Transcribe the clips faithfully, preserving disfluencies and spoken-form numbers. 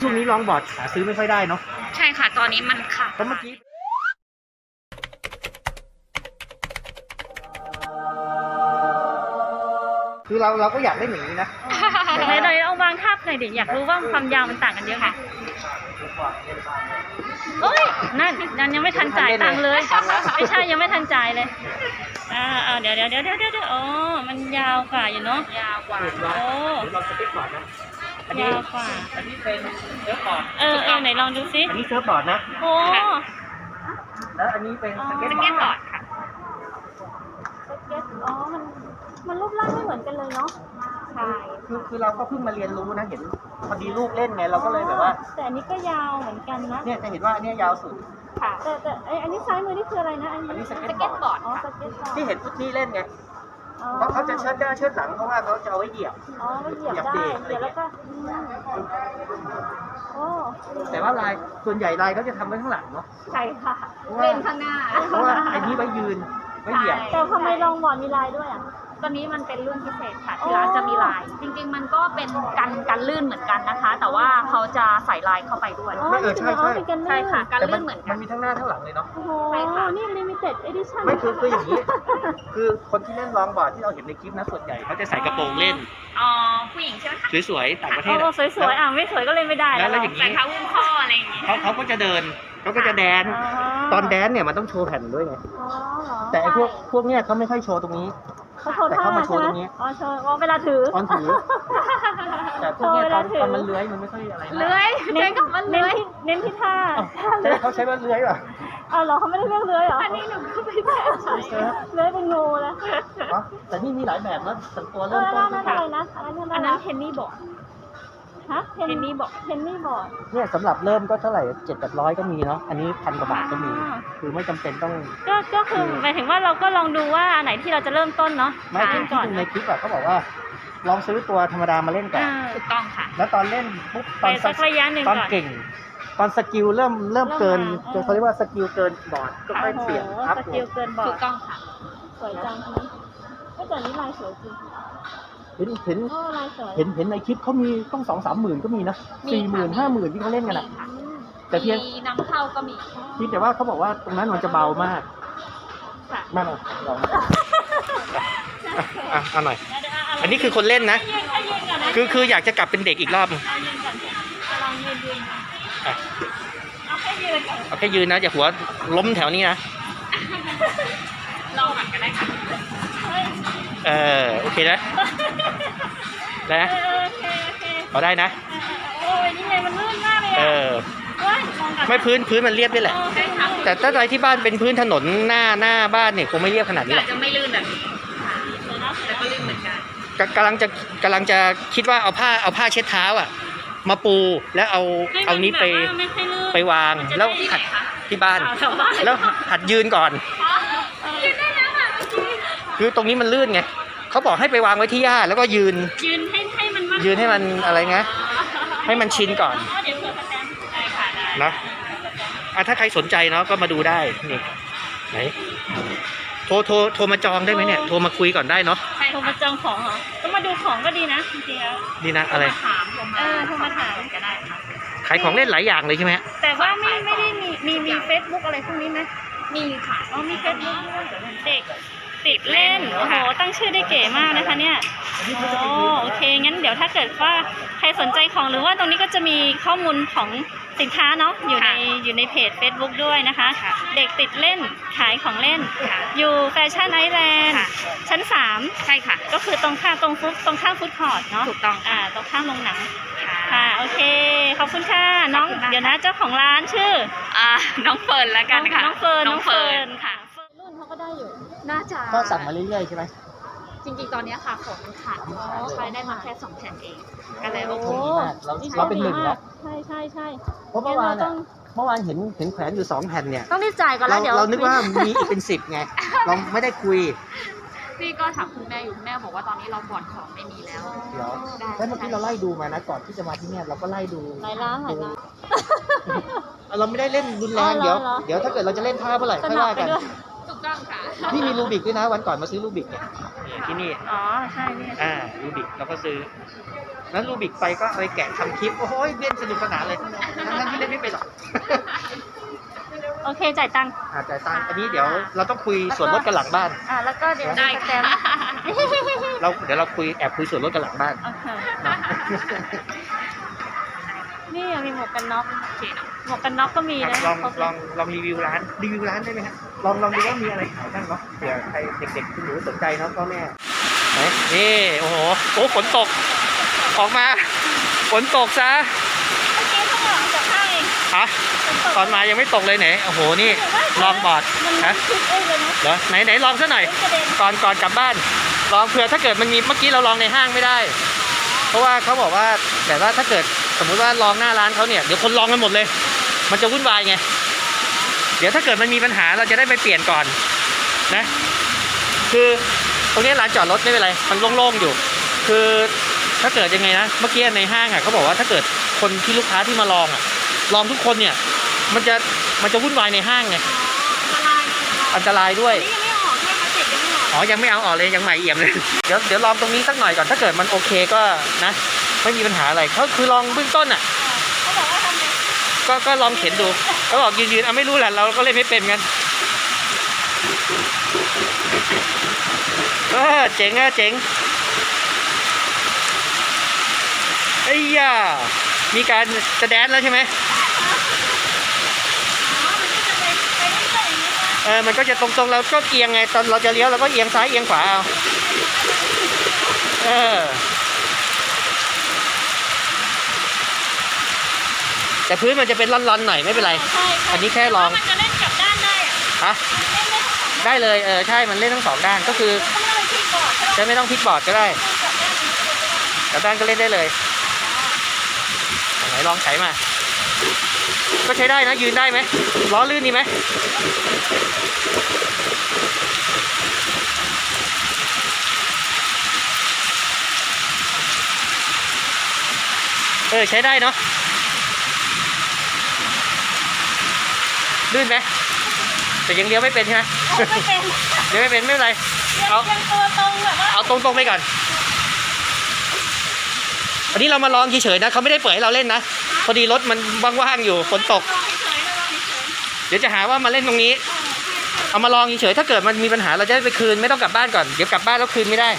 ช่วงนี้ลองบอร์ดหาซื้อไม่ค่อยได้เนาะใช่ค่ะตอนนี้มันขาดเพราะเมื่อกี้คือเราเราก็อยากได้อย่างนี้นะไหนไหนเอาวางทับหน่อยดิอยากรู้ว่าความยาวมันต่างกันเยอะไหมเอ้ยนั่นนั่นยังไม่ทันจ่ายตังค์เลยไม่ใช่ยังไม่ทันจ่ายเลยอ่าเดี๋ยวเดี๋ยวเดี๋ยวเดี๋ยวเดี๋ยวอ๋อมันยาวกว่าอยู่เนาะยาวกว่าโอ้เราสเก็ตบอร์ดนะยาวกว่าอันนี้เป็นเซิร์ฟบอร์ดเออเออไหนลองดูซิอันนี้เซิร์ฟบอร์ดนะโอ้แล้วอันนี้เป็นสเก็ตบอร์ดค่ะสเก็ตอ๋อมันมันรูปร่างไม่เหมือนกันเลยเนาะใช่คือคือเราก็เพิ่งมาเรียนรู้นะเห็นพอดีลูกเล่นไงเราก็เลยแบบว่าแต่อันนี้ก็ยาวเหมือนกันนะเนี่ยจะเห็นว่าอันนี้ยาวสุดค่ะแต่แต่ไออันนี้ซ้ายมือนี่คืออะไรนะอันนี้สเก็ตบอร์ดอ๋อสเก็ตบอร์ดที่เห็นฟุตนี่เล่นไงเพราะเขาจะเชิดหน้าเชิดหลังเพราะว่าเขาจะเอาไว้เหยียบอ๋อมันเหยียบได้เหยียบแล้วก็โอ้แต่ว่าลายส่วนใหญ่ลายเขาจะทำไว้ข้างหลังเนาะใช่ค่ะเล่นข้างหน้าเพราะว่าไอ้นี้ไว้ยืนไว้เหยียบแต่ทำไมลองบอร์ดมีลายด้วยอ่ะตอนนี้มันเป็นรุ่นพิเศษค่ะที่ร้านจะมีลายจริงๆมันก็เป็นกันกันลื่นเหมือนกันนะคะ แต่ว่าเขาจะใส่ลายเข้าไปด้วยไม่เออใช่ใช่ใช่ค่ะกันลื่นเหมือนกันมันมีทั้งหน้าทั้งหลังเลยเนาะใช่ค่ะนี่ limited edition ไม่คือคืออย่างนี้คือคนที่เล่นลองบอร์ดที่เราเห็นในคลิปนะส่วนใหญ่เขาจะใส่กระโปรงเล่นอ๋อผู้หญิงใช่ไหมคะสวยๆต่างประเทศโอ้สวยๆอ่ะไม่สวยก็เล่นไม่ได้แล้วแล้วอย่างนี้ใส่เท้าอุ้มข้ออะไรอย่างงี้เขาเขาก็จะเดินเขาก็จะแดนตอนแดนเนี่ยมันต้องโชว์แผ่นด้วยไงแต่ไอ้พวกพวกเนี้ยเขาไม่ค่อยโชว์ตรงนี้แต่เขามาโชว์ตรงนี้อ๋อโชว์อ๋อเวลาถือตอนถือแต่พวกเนี้ยตอนตอนมันเลื้อยมันไม่ค่อยอะไรเลื้อยเน้นกับมันเลื้อยเน้นที่ท่าใช่เขาใช้ว่าเลื้อยป่ะอ๋อเหรอเขาไม่ได้เรียกเลื้อยเหรออันนี้หนูก็ไม่ได้ใช้เลื้อยเป็นงูนะแต่นี่มีหลายแบบนะแต่ตัวเริ่มต้นคืออะไรนะอันนั้นเทนนี่บอร์ดฮะเทนนี่บอร์ดเทนนี่บอร์ดเนี่ยสำหรับเริ่มก็เท่าไหร่เจ็ดแปดร้อยก็มีเนาะอันนี้พันกว่าบาทก็มีคือไม่จำเป็นต้องก็ก็คือหมายถึงว่าเราก็ลองดูว่าอันไหนที่เราจะเริ่มต้นเนาะไม่ที่ที่ดูในคลิปอะเขาบอกว่าลองซื้อตัวธรรมดามาเล่นก่อนถูกต้องค่ะแล้วตอนเล่นปุ๊บตอนสักระยะหนึ่งตอนเก่งตอนสกิลเริ่มเริ่มเกินเขาเรียกว่าสกิลเกินบอร์ดก็ค่อยเปลี่ยนอัพสกิลเกินบอร์ดถูกต้องค่ะสวยจังนี้ก็แต่นี้ลายสวยจริงเห็นเห็นเห็นเห็นในคลิปเขามีต้องสองสามหมื่นก็มีนะสี่หมื่นห้าหมื่นที่เขาเล่นกันอ่ะแต่เพียงนำเข้าก็มีที่แต่ว่าเขาบอกว่าตรงนั้นมันจะเบามากมากเลยลองอ่ะเอาหน่อยอันนี้คือคนเล่นนะคือคืออยากจะกลับเป็นเด็กอีกรอบนึงเอาแค่ยืนเอาแค่ยืนนะอย่าหัวล้มแถวนี้นะลองหันกันได้ค่ะเออโอเคนะได้นะพอได้นะโอ้ยนี่ไงมันลื่นมากเลยเออไม่พื้นพื้นมันเรียบด้วยแหละแต่ถ้าอะไรที่บ้านเป็นพื้นถนนหน้าหน้าบ้านเนี่ยคงไม่เรียบขนาดนี้หรอกจะไม่ลื่นแบบนี้แต่ก็ลื่นเหมือนกันกำลังจะกำลังจะคิดว่าเอาผ้าเอาผ้าเช็ดเท้าอ่ะมาปูแล้วเอาเอานี้ไปไปวางแล้วหัดที่บ้านแล้วหัดยืนก่อนคือตรงนี้มันลื่นไงเขาบอกให้ไปวางไว้ที่หญ้าแล้วก็ยืนยืนให้ให้มันยืนให้มันอะไรเงี้ยให้มันชินก่อนนะอ่ะถ้าใครสนใจเนาะก็มาดูได้นี่ไหนโทรโทรโทรมาจองได้ไหมเนี่ยโทรมาคุยก่อนได้เนาะโทรมาจองของเหรอก็มาดูของก็ดีนะจริงๆดีนะอะไรถามเออโทรมาถามก็ได้ค่ะขายของเล่นหลายอย่างเลยใช่ไหมแต่ว่าไม่ไม่ได้มีมีมีเฟซบุ๊กอะไรพวกนี้ไหมมีค่ะอ๋อมีเฟซบุ๊กเด็กติดเล่นโอ้โหตั้งชื่อได้เก๋มากนะคะเนี่ยโอ้โอเคงั้นเดี๋ยวถ้าเกิดว่าใครสนใจของหรือว่าตรงนี้ก็จะมีข้อมูลของสินค้าเนาะอยู่ในอยู่ในเพจ Facebook ด้วยนะคะเด็กติดเล่นขายของเล่นอยู่แฟชั่นไอแลนด์ชั้นสามใช่ค่ะก็คือตรงข้ามตรงฟุตตรงข้ามฟุตคอร์ทเนาะถูกต้องอ่าตรงข้ามโรงหนังค่ะโอเคขอบคุณค่ะน้องเดี๋ยวนะเจ้าของร้านชื่ออ่าน้องเฟิร์นแล้วกันค่ะน้องเฟิร์นน้องเฟิร์นค่ะรุ่นเขาก็ได้อยู่น่าจะก็สั่งมาเรื่อยๆใช่ไหมจริงๆตอนนี้ค่ะของขาดใช้ได้มาแค่สองแผ่นเองก็เลยโอ้โหเราเราเป็นหนึ่งแล้วใช่ใช่ใช่เพราะเมื่อวานเมื่อวานเห็นเห็นแขวนอยู่สองแผ่นเนี่ยต้องรีบจ่ายก่อนแล้วเดี๋ยวเรานึกว่ามีอีกเป็นสิบไงเราไม่ได้คุยพี่ก็ถามคุณแม่อยู่คุณแม่บอกว่าตอนนี้เราบอร์ดของไม่มีแล้วเดี๋ยวแล้วเมื่อกี้เราไล่ดูมานะก่อนที่จะมาที่นี่เราก็ไล่ดูหลายร้านหลายร้านเราไม่ได้เล่นรุนแรงเดี๋ยวเดี๋ยวถ้าเกิดเราจะเล่นท่าเมื่อไหร่ค่อยว่ากันถูกต้องค่ะนี่มีรูบิกด้วยนะวันก่อนมาซื้อรูบิกเนี่ยเนี่ยที่นี่อ๋อใช่นี่อ่ารูบิกเราก็ซื้อนั้นรูบิกไปก็เอาไปแกะทำคลิปโอ้โหเล่นสนุกสนานเลยทั้งๆที่เล่นไม่เป็นหรอกโอเคจ่ายตังค์อาจ่ายตังค์อันนี้เดี๋ยวเราต้องคุยส่วนลดกันหลังบ้านอ่าแล้วก็เดี๋ยวได้สแกนเราเดี๋ยวเราคุยแอบคุยส่วนลดกันหลังบ้านโอเคเนาะนี่มีหมวกกันน็อกหมวกกันน็อกก็มีครับนะลองครบลองลองรีวิวร้านรีวิวร้านได้ไหมฮะลองลองดูว่ามีอะไรขายบ้างเนาะเผื่อใครเด็กๆคุณหนูสนใจเนาะพ่อแม่ไหนนี่โอ้โหโอ้ฝนตกออกมาฝนตกซะเมื่อกี้ข้างหลังจากข้างเองฮะตอนมายังไม่ตกเลยไหนโอ้โหนี่ลองบอร์ดมันฮะคิดเองเลยนะเหรอไหนไหนลองซะหน่อยกระเด็นก่อนก่อนกลับบ้านลองเผื่อถ้าเกิดมันมีเมื่อกี้เราลองในห้างไม่ได้ เพราะว่าเขาบอกว่าแต่ว่าถ้าเกิดสมมุติว่าลองหน้าร้านเขาเนี่ยเดี๋ยวคนลองกันหมดเลย มันจะวุ่นวายไงเดี๋ยวถ้าเกิดมันมีปัญหาเราจะได้ไปเปลี่ยนก่อนนะคือตรงนี้ร้านจอดรถไม่เป็นไรมันโล่งๆอยู่ คือถ้าเกิดยังไงนะเมื่อกี้ในห้างอ่ะเขาบอกว่าถ้าเกิดคนที่ลูกค้าที่มาลองอ่ะลองทุกคนเนี่ยมันจะมันจะวุ่นวายในห้างไงละลายอันตรายด้วยนี่ยังไม่ออกใช่ไหมเสร็จยังไม่ออกอ๋อ ยังไม่เอาออกเลย ยังใหม่เอี่ยมเลย เดี๋ยว เดี๋ยวลองตรงนี้สักหน่อยก่อน ถ้าเกิดมันโอเคก็นะ ไม่มีปัญหาอะไรเขาคือลองเบื้องต้นอ่ะเขาบอกว่าทำไงก็ ก็ลองเข็นดูเขาบอกยืนๆอ่ะไม่รู้แหละ เราก็เล่นไม่เป็นกันเออเจ๋งอ่ะเจ๋งไอ้ย่ามีการจะแดนแล้วใช่ไหมอ๋อมันก็จะไปไปเรื่อยๆอย่างนี้นะเออ มันก็จะตรงๆเราก็เอียงไง ตอนเราจะเลี้ยวเราก็เอียงซ้ายเอียงขวาเอา เออ แต่พื้นมันจะเป็นร่อนๆหน่อยไม่เป็นไรใช่ใช่อันนี้แค่ลองมันจะเล่นกลับด้านได้อะฮะมันเล่นได้ทั้งสองได้เลย เออ ใช่ มันเล่นทั้งสองด้าน ก็คือต้องเล่นที่บอร์ดใช่ไหมจะไม่ต้องพลิกบอร์ดก็ได้กลับด้านนี้ก็ได้กลับด้านก็เล่นได้เลยไหนลองใช้มา ก็ใช้ได้นะ ยืนได้ไหมล้อลื่นดีไหมเออ ใช้ได้เนาะ ลื่นไหมแต่ยังเลี้ยวไม่เป็นใช่ไหมเอาไม่เป็นเลี้ยวไม่เป็นไม่เป็นไร เอายังตัวตรงแบบว่าเอาตรงๆไปก่อน อันนี้เรามาลองเฉยๆนะเขาไม่ได้เปิดให้เราเล่นนะ พอดีรถมันว่างๆอยู่ฝนตกลองเฉยๆนะลองเฉยเดี๋ยวจะหาว่ามาเล่นตรงนี้ เอามาลองเฉยๆถ้าเกิดมันมีปัญหาเราจะได้ไปคืนไม่ต้องกลับบ้านก่อน เดี๋ยวกลับบ้านแล้วคืนไม่ได้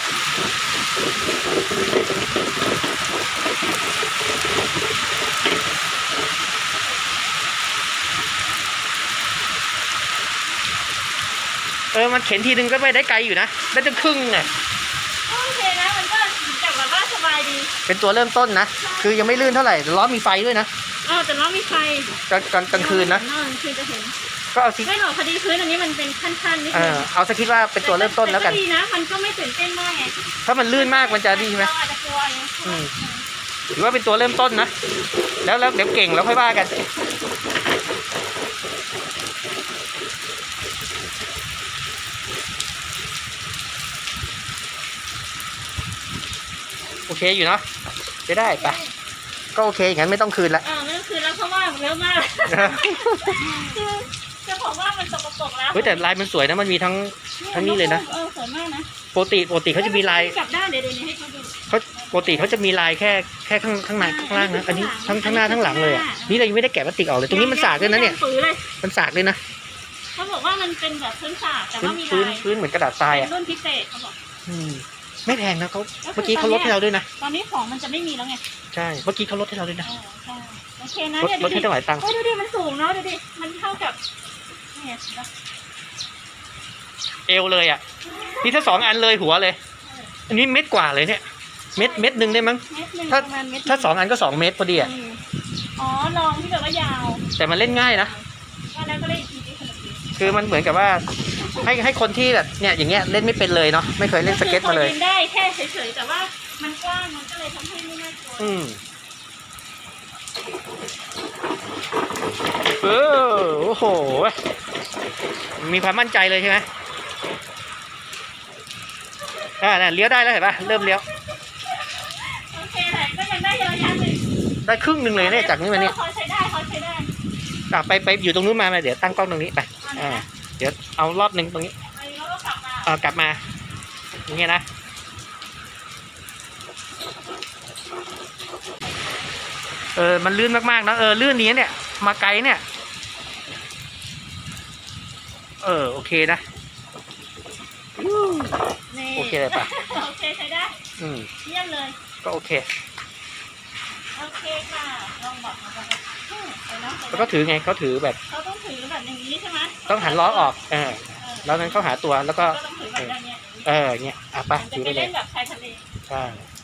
เออ มันเข็นทีนึงก็ไปได้ไกลอยู่นะ ได้ตั้งครึ่งเนี่ยๆโอเคนะมันก็เหมือนกับแบบว่าสบายดีเป็นตัวเริ่มต้นนะ คือยังไม่ลื่นเท่าไหร่แต่ล้อมีไฟด้วยนะอ๋อแต่ว่ามีไฟกลางกลางกลางคืนนะกลางคืนจะเห็นก็เอาสิไม่หรอกพอดีพื้นอันนี้มันเป็นขั้นๆนิดเอนึอง เอาสักคิดว่าเป็นตัวเริ่มต้นแล้วกันต่ดีนะมันก็ไม่ตื่นเต้นมากไงถ้ามันลื่นมากมันจะดีไหมเราอาจจะกลัวไงอืมถือว่าเป็นตัวเริ่มต้นนะ แล้วแล้วเดี๋ยวเก่งแล้วค่อยว่ากัน โอเคอยู่เนาะจะได้ไปก็โอเคอย่างนั้นไม่ต้องคืนละอ่าไม่ต้องคืนแล้วเพราะว่าเยอะมากคือจะบอกว่ามันสกปรกแล้วเฮ้ยแต่ลายมันสวยนะมันมีทั้งทั้งนี้เลยนะเออสวยมากนะปกติปกติเขาจะมีลายกลับด้านเดี๋ยวเดี๋ยวนี้ให้เขาดูเขาปกติเขาจะมีลายแค่แค่ข้างข้างในข้างล่างนะอันนี้ทั้งทั้งหน้าทั้งหลังเลยอะนี่เรายังไม่ได้แกะพลาสติกออกเลยตรงนี้มันสากด้วยนะเนี่ยฝือเลยมันสากด้วยนะเขาบอกว่ามันเป็นแบบพื้นสากแต่พื้นว่ามีพื้นลายพื้นเหมือนกระดาษทรายเป็อ่ะนรุ่นพิเศษเขาบอกอืมไม่แพงนะเขาเมื่อกี้เขาลดให้เราด้วยนะตอนนี้ของมันจะไม่มีแล้วไงใช่เมื่อกี้เขาลดให้เราด้วยนะเออใช่โอเคนะลดเนี่ยลดูดดิให้ตั้งหลายตังค์โอ้ยดูดิมันสูงเนาะดูดิมันเท่ากับเนี่ยเอวเลยอ่ะนี่ถ้าสองอันเลยหัวเลย อันนี้เม็ดกว่าเลยเนี่ยเม็ดเม็ดหนึ่งได้มั้งเม็ดหนึ่งถ้าประมาณเม็ดหนึ่ถ้าสองอันก็สองเม็ดพอดีอ่ะอืมอ๋อลองที่แบบว่ายาวแต่มันเล่นง่ายนะว่าแล้วก็เล่นอีกทีสนุกดีคือมันเหมือนกับว่าให้ให้คนที่แบบเนี่ยอย่างเงี้ยเล่นไม่เป็นเลยเนาะไม่เคยเล่นสเก็ตมาเลยก็คือพอนได้แค่เฉยๆแต่ว่ามันกว้างมันก็เลยทำให้ไม่น่ากลัวอืมเออโอ้โหมีความมั่นใจเลยใช่ไหมอ่าน่ะเลี้ยวได้แล้วเห็นปะเริ่มเลี้ยวโอเคแหละก็ยังได้เยอะแยะเลยได้ครึ่งหนึ่งเลยเนี่ยจากนี้มาเนี่ยพอใช้ได้พอใช้ได้อ่ะไปไปอยู่ตรงนู้นมามาเดี๋ยวตั้งกล้องตรงนี้ไปอ่าเดี๋ยวเอารอบหนึ่งตรงนี้ไปแล้วก็เออกลับมา อย่างเงี้ยนะ เออ มันลื่นมากๆนะ เออ ลื่นนี้เนี่ย มาไกลเนี่ย เออ โอเคนะนี่โอเคเลยปะโอเคใช้ได้อืมเยี่ยมเลยก็โอเคโอเคค่ะลองบอกมาก่อนอืมไปเนาะไปแล้วเนาะก็ถือไงเขาถือแบบเขาต้องถือแบบอย่างนี้ใช่ไหมต้องหันล้อออก เออเออแล้วนั้นเขาหาตัว แล้วก็ก็ต้องถือแบบอย่างเงี้ยเอออย่างเงี้ย อ่ะไปจะถือไปไปเลเล่ยนแบบชายทะเลใช่